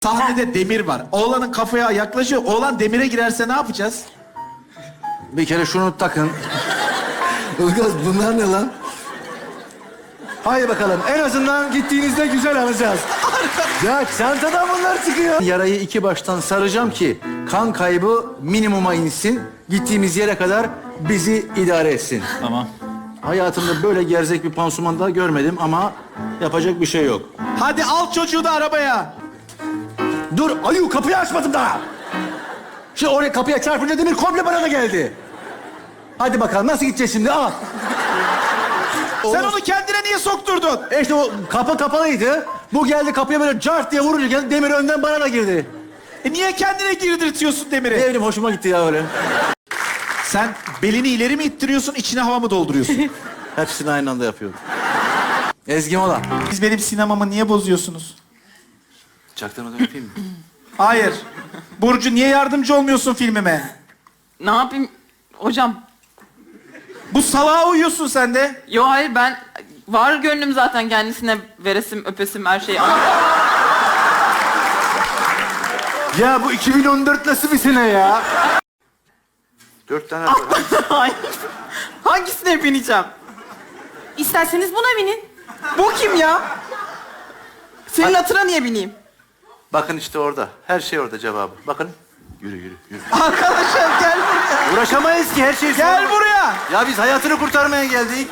Sahnede demir var. Oğlanın kafaya yaklaşıyor. Oğlan demire girerse ne yapacağız? Bir kere şunu takın. Ilgaz bunlar ne lan? Haydi bakalım. En azından gittiğinizde güzel alacağız. Ya çantadan bunlar çıkıyor. Yarayı iki baştan saracağım ki kan kaybı minimuma insin. Gittiğimiz yere kadar bizi idare etsin. Tamam. Hayatımda böyle gerzek bir pansuman daha görmedim ama yapacak bir şey yok. Hadi al çocuğu da arabaya. Dur ayu kapıyı açmadım daha. Şimdi oraya kapıya çarpınca demir komple bana da geldi. Hadi bakalım nasıl gideceğiz şimdi al. Sen onu kendine niye sokturdun? İşte o kapı kapalıydı. Bu geldi kapıya böyle cart diye vururken demir önden bana da girdi. Niye kendine girdirtiyorsun demiri? Ne bileyim hoşuma gitti ya öyle. Sen belini ileri mi ittiriyorsun, içine hava mı dolduruyorsun? Hepsini aynı anda yapıyorum. Ezgi Mola. Siz benim sinemamı niye bozuyorsunuz? Çaktırmadan öpeyim mi? Hayır. Burcu niye yardımcı olmuyorsun filmime? Ne yapayım hocam? Bu salağa uyuyorsun sen de. Yo hayır ben var gönlüm zaten kendisine veresim öpesim her şeyi ama Ya bu 2014 nasıl bir sene ya? 4 tane var. hayır. Hangisine bineceğim? İsterseniz buna binin. Bu kim ya? Senin hatırına niye bineyim? Bakın işte orada. Her şey orada cevabı. Bakın. Yürü yürü yürü. Arkadaşlar gel buraya. Uğraşamayız ki her şey Gel sorma. buraya. Ya biz hayatını kurtarmaya geldik.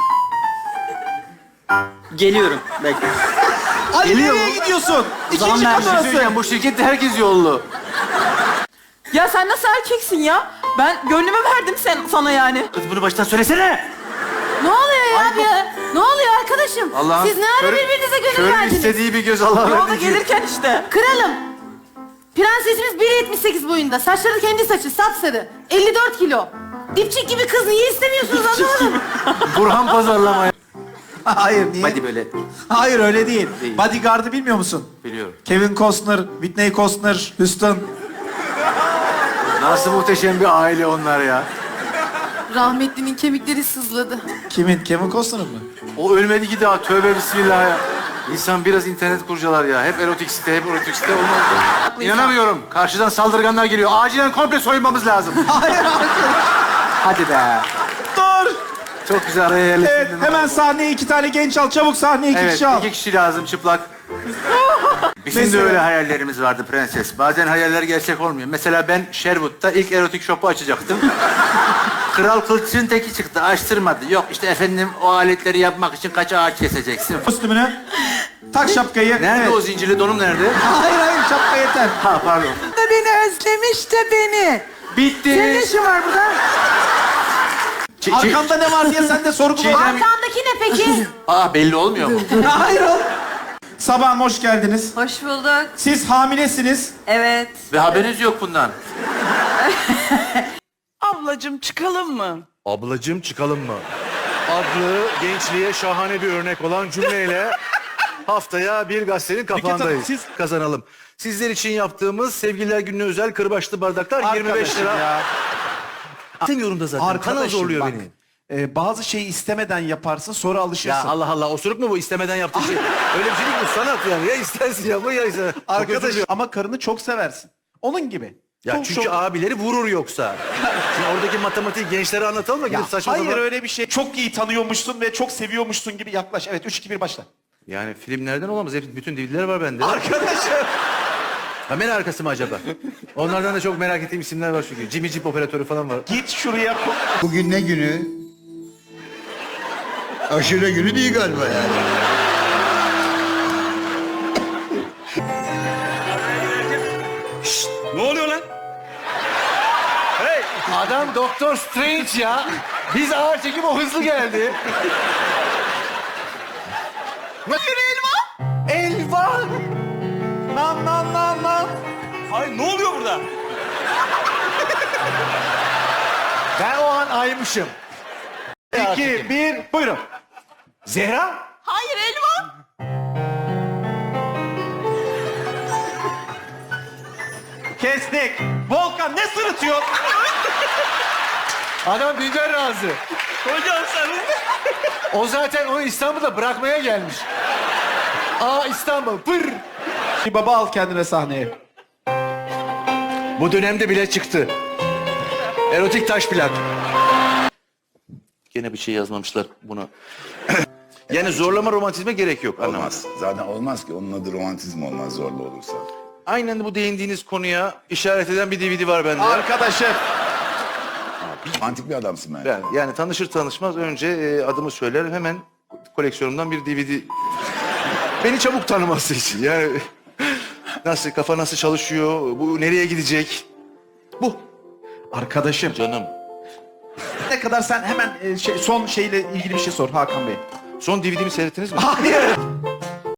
Geliyorum. Bekle. Ali Geliyor nereye mu? gidiyorsun? Zaman İkinci ben kat bir şey orası. söyleyeceğim. Bu şirkette herkes yollu. Ya sen nasıl erkeksin ya? Ben gönlümü verdim sana yani. Kız bunu baştan söylesene. Ne oluyor ya bir? Ne oluyor arkadaşım? Allah'ım. Siz ne ara birbirinize gönül Körün verdiniz? istediği bir göz Allah Yolda verdi ki. gelirken işte. Kralım. Prensesimiz 1.78 boyunda. Saçları kendi saçı, sapsarı. 54 kilo. Dipçik gibi kız niye istemiyorsunuz anlamadım. Burhan pazarlama. Hayır niye? Hadi böyle. Hayır öyle değil. Değil. Bodyguard'ı bilmiyor musun? Biliyorum. Kevin Costner, Whitney Costner, Houston. Nasıl muhteşem bir aile onlar ya. Rahmetlinin kemikleri sızladı. Kimin? Kevin Costner'ın mı? O ölmedi ki daha. Tövbe bismillah ya. İnsan biraz internet kurcalar ya. Hep erotik site, hep erotik site. Olmaz. İnanamıyorum. Karşıdan saldırganlar geliyor. Acilen komple soyunmamız lazım. Hayır arkadaş. Hadi be. Dur. Çok güzel araya Evet, yerleştirdin. hemen sahneye 2 tane genç al. Çabuk sahneye 2 Evet, kişi al. 2 kişi lazım çıplak. Bizim de Mesela? öyle hayallerimiz vardı prenses. Bazen hayaller gerçek olmuyor. Mesela ben Sherwood'da ilk erotik shop'u açacaktım. Kral kılçığın teki çıktı, açtırmadı. Yok işte efendim o aletleri yapmak için kaç ağaç keseceksin. Kostümünü. Tak şapkayı. Nerede Evet. o zincirli donum nerede? Hayır hayır şapka yeter. Ha pardon. Da beni özlemiş de beni. Bitti. Senin ne işin var burada? Arkamda ne var diye sen de sorgula. Çiğdem- Arkamdaki ne peki? Aa belli olmuyor mu? Hayır oğlum. Sabahım hoş geldiniz. Hoş bulduk. Siz hamilesiniz. Evet. Ve haberiniz yok bundan. Ablacığım çıkalım mı? Ablacım çıkalım mı? Adlı gençliğe şahane bir örnek olan cümleyle haftaya bir gazetenin kapağındayız. siz- Kazanalım. Sizler için yaptığımız Sevgililer Günü'ne özel kırbaçlı bardaklar 25 Arkadaşım lira. ya. İstemiyorum da zaten. Kanal Arkadaşım zorluyor bak, beni. bazı şeyi istemeden yaparsın sonra alışırsın. Ya Allah Allah osuruk mu bu istemeden yaptığın şey? Öyle bir şey değil bu sanat yani. Ya istersin yapma ya istersin. Çok özür Arkadaş diliyorum. ama karını çok seversin. Onun gibi. Ya Çok, çünkü çok- abileri vurur yoksa. Şimdi oradaki matematiği gençlere anlatalım da Ya gidip saçma hayır sapan- öyle bir şey. Çok iyi tanıyormuşsun ve çok seviyormuşsun gibi yaklaş. Evet 3-2-1 başla. Yani filmlerden olamaz. Hep bütün DVD'ler var bende. Arkadaşım. Kamera arkası mı acaba? Onlardan da çok merak ettiğim isimler var çünkü. Jimmy Jeep operatörü falan var. Git şuraya. Bugün ne günü? Aşure günü değil galiba yani. Ne oluyor lan? Hey! Adam Doktor Strange ya. Biz ağır çekim o hızlı geldi. Hayır elva. Elva. Nam nam nam nam. Ay ne oluyor burada? Ben o an aymışım. 2-1 buyurun. Zehra? Hayır elma. Kestik. Volkan ne sırıtıyor? Adam dünden razı. Hocam sen... O zaten onu İstanbul'da bırakmaya gelmiş. Aa İstanbul pır. Bir baba al kendine sahneye. Bu dönemde bile çıktı. Erotik taş plak. Gene bir şey yazmamışlar buna. Yani zorlama romantizme gerek yok. Anlamadım. Olmaz. Zaten olmaz ki. Onun adı romantizm olmaz zorlu olursa. Aynen de bu değindiğiniz konuya işaret eden bir DVD var bende. Arkadaşım. Romantik bir adamsın ben. Yani tanışır tanışmaz önce adımı söyler hemen koleksiyonumdan bir DVD. Beni çabuk tanıması için yani nasıl kafa nasıl çalışıyor, bu nereye gidecek? Bu. Arkadaşım. Canım. Ne kadar sen hemen son şeyle ilgili bir şey sor Hakan Bey. Son DVD'mi seyrettiniz mi? Hayır.